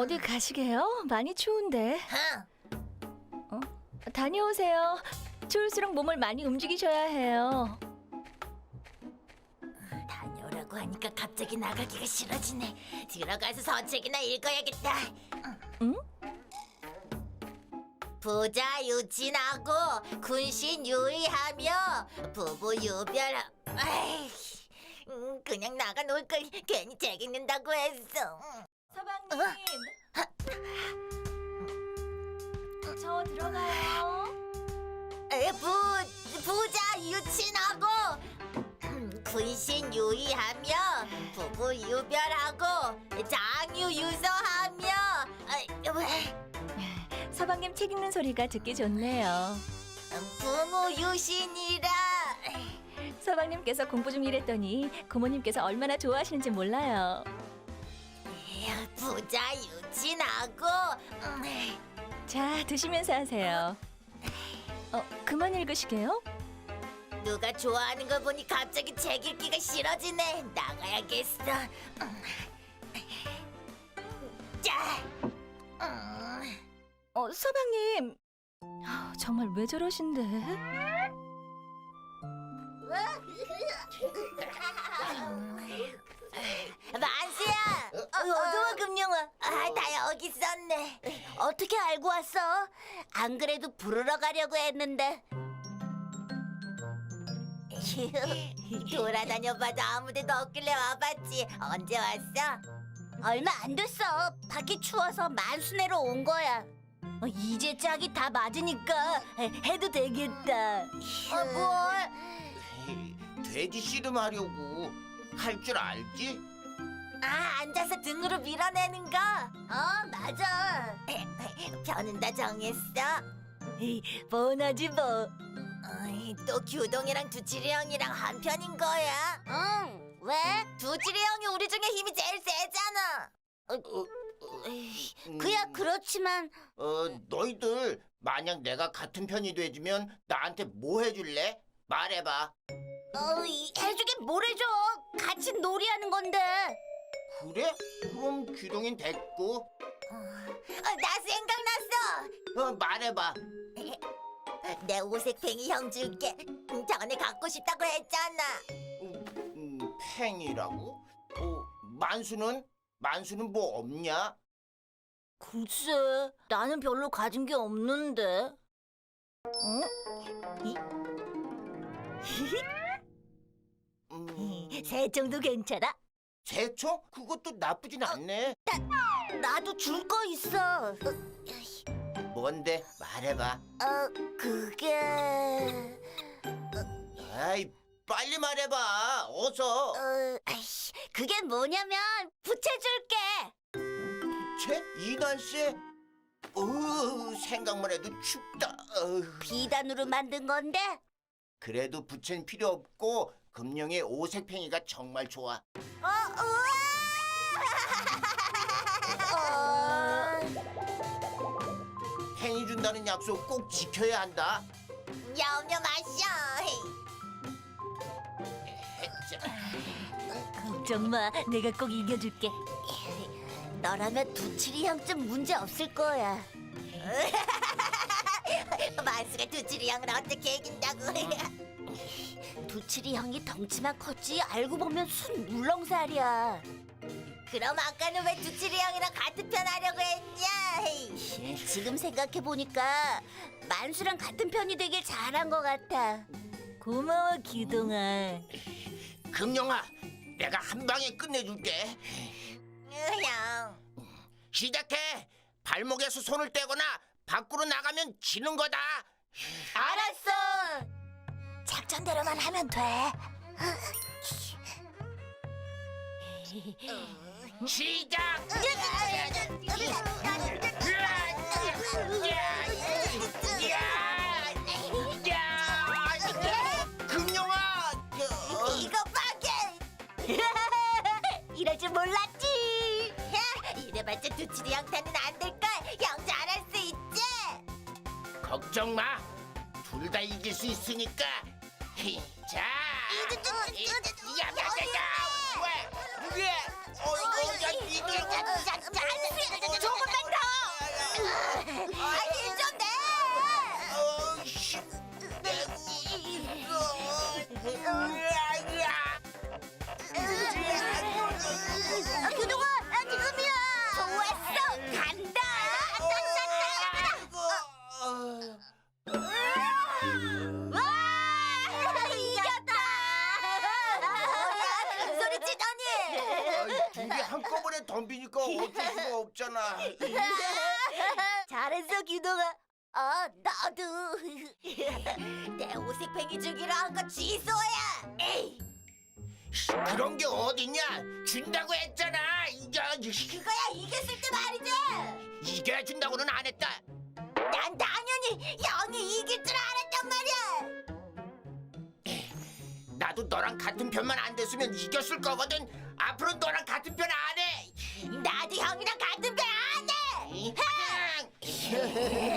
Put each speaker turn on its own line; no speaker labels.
어디 가시게요? 많이 추운데.
응.
다녀오세요. 추울수록 몸을 많이 움직이셔야 해요.
다녀오라고 하니까 갑자기 나가기가 싫어지네. 들어가서 서책이나 읽어야겠다.
응?
부자 유친하고 군신 유의하며 부부 유별. 아이, 그냥 나가 놀 걸 괜히 책 읽는다고 했어.
서방님. 저 들어가요.
부자 유친하고 군신 유의하며 부부 유별하고 장유 유서하며.
서방님 책 읽는 소리가 듣기 좋네요.
부모 유신이라.
서방님께서 공부 중이랬더니 고모님께서 얼마나 좋아하시는지 몰라요.
부자 유친하고.
자, 드시면서 하세요. 그만 읽으시게요?
누가 좋아하는 걸 보니 갑자기 책 읽기가 싫어지네. 나가야겠어. 자.
서방님. 정말 왜 저러신데?
만수야. 어두워 금룡아. 다 여기 있었네. 어떻게 알고 왔어? 안 그래도 부르러 가려고 했는데. 돌아다녀봐도 아무데도 없길래 와봤지. 언제 왔어? 얼마 안 됐어. 밖이 추워서 만수네로 온 거야. 이제 짝이 다 맞으니까 해도 되겠다. 뭘?
돼지 씨름하려고 할 줄 알지?
앉아서 등으로 밀어내는 거. 맞아. 편은 다 정했어.
뻔하지 뭐.
또 규동이랑 두칠이 형이랑 한 편인 거야? 응. 왜? 두칠이 형이 우리 중에 힘이 제일 세잖아. 그야 그렇지만.
너희들 만약 내가 같은 편이 돼주면 나한테 뭐 해줄래? 말해봐.
해주긴 뭘 해줘. 같이 놀이하는 건데.
그래? 그럼 규동인 됐고.
나 생각났어.
말해봐.
내 오색팽이 형 줄게. 전에 갖고 싶다고 했잖아.
팽이라고? 만수는? 만수는 뭐 없냐?
글쎄, 나는 별로 가진 게 없는데. 새총도 괜찮아?
새총? 그것도 나쁘진 않네.
나도 줄 거 있어.
뭔데? 말해봐.
그게.
아이, 빨리 말해봐. 어서.
그게 뭐냐면 부채 줄게.
채? 이날새? 생각만 해도 춥다.
비단으로 만든 건데.
그래도 부채는 필요 없고 금룡의 오색팽이가 정말 좋아.
우와!
팽이 준다는 약속 꼭 지켜야 한다.
염려 마셔.
걱정 마. 내가 꼭 이겨줄게.
너라면 두칠이 형쯤 문제 없을 거야. 만수가 두칠이 형을 어떻게 이긴다고? 두칠이 형이 덩치만 컸지 알고 보면 순 물렁살이야. 그럼 아까는 왜 두칠이 형이랑 같은 편 하려고 했냐? 지금 생각해 보니까 만수랑 같은 편이 되길 잘한 것 같아.
고마워, 기동아.
금룡아, 내가 한 방에 끝내줄게.
형.
시작해. 발목에서 손을 떼거나 밖으로 나가면 지는 거다.
알았어. 작전대로만 하면 돼.
시작. 금룡아.
이거 봐게. 이럴 줄 몰랐지. 이래봤자 두칠이 형한테는 안 될걸. 형 잘할 수 있지.
걱정 마. 둘 다 이길 수 있으니까. 자. 야야야야. 왜? 야, 니들.
저거
한꺼번에 덤비니까 어쩔 수가 없잖아.
잘했어, 규동아. 나도. 내 오색팽이 주기로 한 거 취소야. 에이,
그런 게 어딨냐? 준다고 했잖아.
그거야 이겼을 때 말이지.
이겨준다고는 안 했다.
난 당연히 형이 이길 줄 알았단 말이야.
나도 너랑 같은 편만 안 됐으면 이겼을 거거든. 앞으로 너랑 같은 편 안 해.
나도 형이랑 같은 편 안 해.
이,